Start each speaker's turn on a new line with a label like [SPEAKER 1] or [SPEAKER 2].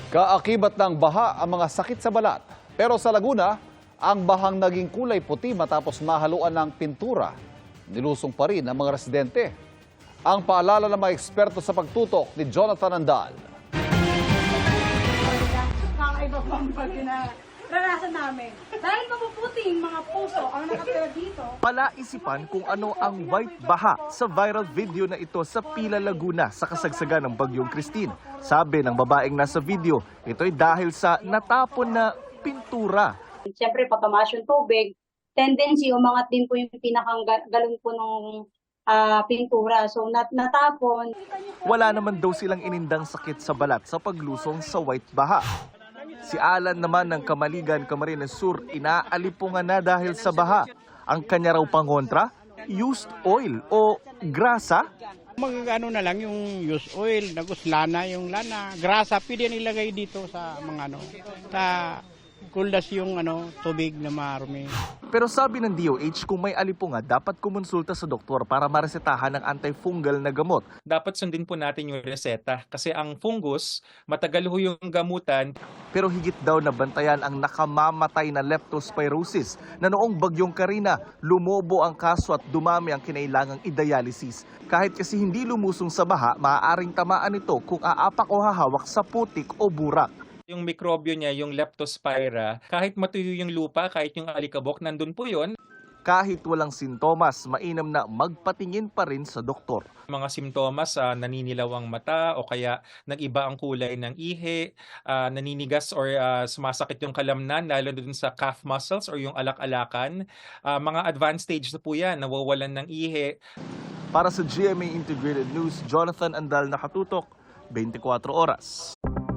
[SPEAKER 1] Kaakibat ng baha ang mga sakit sa balat. Pero sa Laguna, ang bahang naging kulay puti matapos mahaluan ng pintura. Nilusong pa rin ang mga residente. Ang paalala ng mga eksperto sa pagtutok ni Jonathan Andal.
[SPEAKER 2] Kakaiba po ang naranasan namin. Dahil mapuputing mga puso ang nakatira dito.
[SPEAKER 3] Palaisipan kung ano ang white baha sa viral video na ito sa Pila, Laguna sa kasagsagan ng Bagyong Christine. Sabi ng babaeng nasa video, ito'y dahil sa natapon na pintura.
[SPEAKER 4] Siyempre, pag tumaas yung tubig, tendency umangat din po yung pinakang galon po ng pintura. So, natapon.
[SPEAKER 3] Wala naman daw silang inindang sakit sa balat sa paglusong sa white baha. Si Alan naman ng Kamaligan, Camarines Sur, inaalipungan na dahil sa baha. Ang kanya raw pangontra, used oil o grasa.
[SPEAKER 5] Magano na lang yung used oil, lana yung lana, grasa, pwede nilagay dito sa mga sa kuldas yung tubig na marumi.
[SPEAKER 3] Pero sabi ng DOH, kung may alipunga, dapat kumonsulta sa doktor para maresetahan ng antifungal na gamot.
[SPEAKER 6] Dapat sundin po natin yung reseta kasi ang fungus, matagal ho yung gamutan.
[SPEAKER 3] Pero higit daw na bantayan ang nakamamatay na leptospirosis na noong Bagyong Karina, lumobo ang kaso at dumami ang kinailangang i-dialysis. Kahit kasi hindi lumusong sa baha, maaaring tamaan ito kung aapak o hahawak sa putik o burak.
[SPEAKER 6] Yung mikrobyo niya, yung leptospira, kahit matuyo yung lupa, kahit yung alikabok, nandun po yon.
[SPEAKER 3] Kahit walang sintomas, mainam na magpatingin pa rin sa doktor.
[SPEAKER 6] Mga simptomas, naninilaw ang mata o kaya nag-iba ang kulay ng ihi, naninigas or sumasakit yung kalamnan, lalo dun sa calf muscles or yung alak-alakan. Mga advanced stage na po yan, nawawalan ng ihi.
[SPEAKER 3] Para sa GMA Integrated News, Jonathan Andal, nakatutok, 24 oras.